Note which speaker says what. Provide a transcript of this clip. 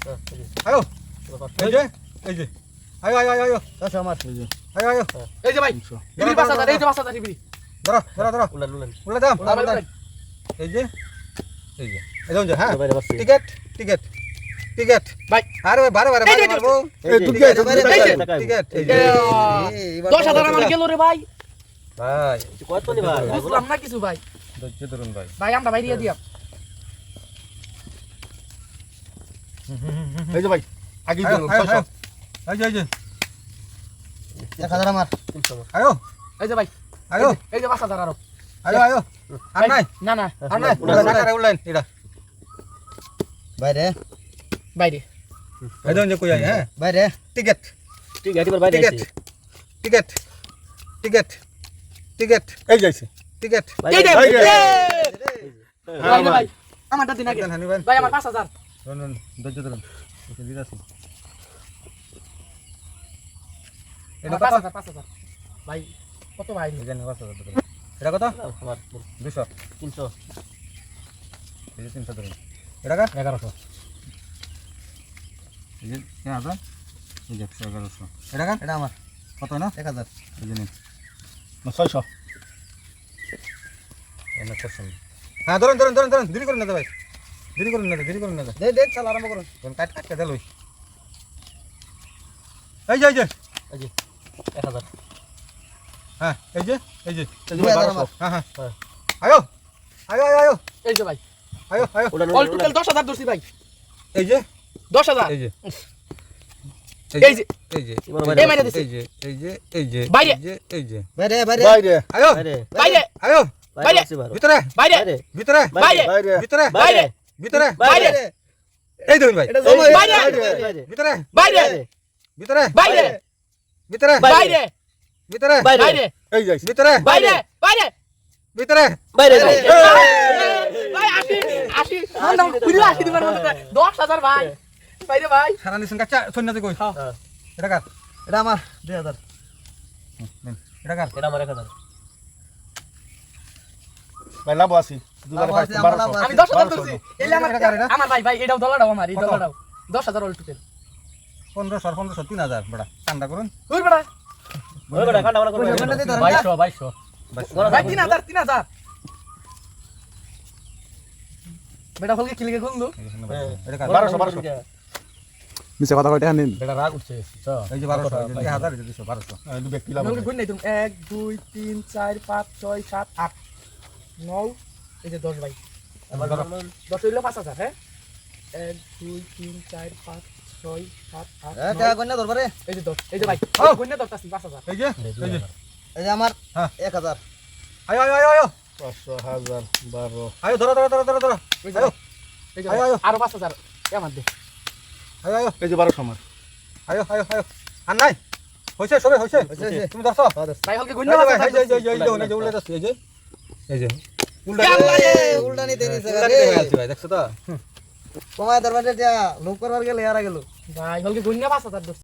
Speaker 1: আয়ো এই যে আয়ো আয়ো আয়ো আয়ো
Speaker 2: আচ্ছা আমার
Speaker 1: আয়ো আয়ো
Speaker 3: এই যে ভাই টিভি 5000 এই যে 5000 টিভি
Speaker 1: ধরো ধরো ধরো
Speaker 2: উলান
Speaker 1: উল্লে দাও এই যে এই যে হ্যাঁ টিকেট টিকেট টিকেট
Speaker 3: ভাই
Speaker 1: আরে ভাই বারে বারে মারবো
Speaker 2: এই টিকেট
Speaker 1: টিকেট এই যে
Speaker 3: 10000 আমার গেল রে ভাই
Speaker 1: ভাই
Speaker 2: কত নি ভাই
Speaker 3: বুঝলাম না কিছু ভাই
Speaker 1: ধৈর্য ধরুন ভাই
Speaker 3: ভাই আমরা বাইরে দিয়া
Speaker 2: এই যে ভাই আগে
Speaker 1: আয়ো,
Speaker 2: দিন
Speaker 1: আয়ো,
Speaker 2: 600
Speaker 1: আয়ো। এই যে
Speaker 2: 1000 আমার
Speaker 1: আয়ো
Speaker 3: এই যে ভাই
Speaker 1: আয়ো
Speaker 3: এই যে 5000 আরো
Speaker 1: আয়ো আয়ো আর নাই
Speaker 3: না না
Speaker 1: আর নাই টাকা উল্লেন এটা
Speaker 2: বাইরে
Speaker 3: বাইরে
Speaker 1: এই যে কই আই হ্যাঁ
Speaker 2: বাইরে
Speaker 1: টিকেট
Speaker 2: ঠিক আছে বাইরে
Speaker 1: টিকেট টিকেট টিকেট টিকেট
Speaker 2: এই যাইছে
Speaker 1: টিকেট
Speaker 3: এই যে
Speaker 2: বাইরে।
Speaker 3: ভাই ভাই আমারটা দিন আগে
Speaker 1: হানি ভাই
Speaker 3: ভাই আমার 5000
Speaker 1: শুনুন ধৈর্য ধরুন ওকে দিদাছি এটা কত
Speaker 3: 5000 ভাই কত ভাই
Speaker 1: এই জানি 5000 ধরুন এটা কত
Speaker 2: আমার
Speaker 1: 200
Speaker 2: 300
Speaker 1: এই যে 300 ধরুন এটা কত
Speaker 2: 1100
Speaker 1: এই যে 1000 এই যে 1100 এটা কত
Speaker 2: এটা আমার
Speaker 1: কত না
Speaker 2: 1000
Speaker 1: এই যে নিন
Speaker 2: 600
Speaker 1: এনে করছেন হ্যাঁ ধরুন ধরুন ধরুন ধরুন দেরি করুন না তো ভাই দেরি করুন না তো, দেরি করুন না তো।
Speaker 2: দে দে চাল আরম্ভ করুন
Speaker 1: কোন কাট কাট দে লই এই যে
Speaker 2: এই যে 1000
Speaker 1: হ্যাঁ এই যে
Speaker 2: 2000 আমার
Speaker 1: হ্যাঁ হ্যাঁ আয়ো আয়ো আয়ো আয়ো
Speaker 3: এই যে ভাই
Speaker 1: আয়ো আয়ো
Speaker 3: অল টোটাল 10000 দর্শি ভাই
Speaker 1: এই যে
Speaker 3: 10000
Speaker 1: এই যে
Speaker 3: এই যে
Speaker 1: এই যে
Speaker 3: এই মাইরা দিছে
Speaker 1: এই যে
Speaker 3: বাইরে।
Speaker 1: এই যে
Speaker 2: বাইরে বাইরে
Speaker 1: বাইরে আয়ো
Speaker 2: বাইরে
Speaker 3: বাইরে
Speaker 1: আয়ো
Speaker 3: বাইরে
Speaker 1: ভিতরে
Speaker 3: বাইরে
Speaker 1: ভিতরে
Speaker 3: বাইরে
Speaker 1: ভিতরে
Speaker 3: বাইরে
Speaker 1: ভিতরে
Speaker 3: বাইরে
Speaker 1: এই দেখুন ভাই
Speaker 2: এটা জমা
Speaker 3: বাইরে।
Speaker 1: ভিতরে
Speaker 3: বাইরে
Speaker 1: ভিতরে
Speaker 3: বাইরে
Speaker 1: ভিতরে
Speaker 3: বাইরে
Speaker 1: ভিতরে
Speaker 3: বাইরে
Speaker 2: এই যাইছে
Speaker 1: ভিতরে
Speaker 3: বাইরে বাইরে
Speaker 1: ভিতরে
Speaker 2: বাইরে
Speaker 3: ভাই আসি আসি নাম পুরো আসি দিবার মত 10000 ভাই বাইরে ভাই
Speaker 1: সারা নিছেন কাচ্চা সন্ন্যাসী কই এটা কার
Speaker 2: এটা আমার 2000
Speaker 1: এটা কার
Speaker 2: এটা আমার 1000 ভাই লাভ আছে দুবারে 1200
Speaker 3: আমি 10000 দর্শি এলে আমার আমার ভাই ভাই এটাও ডলারটাও আমার এই ডলারটাও 10000 অল টোটাল
Speaker 1: 1500 3000 বড়া ঠান্ডা করুন
Speaker 3: ওই বড়া
Speaker 2: ওই বড় কাটা আমরা করব 2200
Speaker 3: ভাই 3000 বেটা হলকে কিলিকে খুললো
Speaker 1: এটা কার
Speaker 2: 1200
Speaker 4: মিছে কথা কইতে আনিন
Speaker 2: বেটা রাগ উঠছে
Speaker 1: এই যে 1200 এই যে 1000 এই যে 1200
Speaker 2: এই দু ব্যক্তি লাভ
Speaker 3: হলকে গুণ নাই তুমি 1 2 3 4 5 6 7 8 9 এই যে 10 ভাই 10 হইলো 5000 হ্যাঁ 1 2 3 4 5 6 7 8
Speaker 2: এটা কন্যা দরবারে
Speaker 3: এই যে 10 এই যে ভাই গুণ না 10 5000
Speaker 1: এই যে
Speaker 2: এই যে আমার
Speaker 1: হ্যাঁ
Speaker 2: 1000
Speaker 1: আয়ো আয়ো আয়ো আয়ো
Speaker 2: 500 1000 12
Speaker 1: আয়ো ধরো ধরো ধরো ধরো ধরো
Speaker 3: এই যে
Speaker 1: আয়ো
Speaker 3: এই যে
Speaker 1: আয়ো, আয়ো।
Speaker 3: আরো 5000 এ আমার দে
Speaker 1: আয়ো আয়ো
Speaker 2: এই যে 1200 আমার
Speaker 1: আয়ো আয়ো আয়ো আর নাই হইছে সবে হইছে
Speaker 2: হইছে।
Speaker 1: তুমি ধরছো
Speaker 3: ভাই হলকে গুণ
Speaker 1: এই
Speaker 3: না
Speaker 1: যে ভাই,
Speaker 3: 5000
Speaker 1: এই যে উল্টা যাচ্ছে এই যে উল্টা
Speaker 2: উল্টা নিতে নিছে
Speaker 1: উল্টা দিতে হয়ে আছে ভাই দেখছো তো
Speaker 2: তোমার দরবারে যা লোক করবার গেলে আর গেল
Speaker 3: ভাই হলকে গুণ না 5000 দর্শি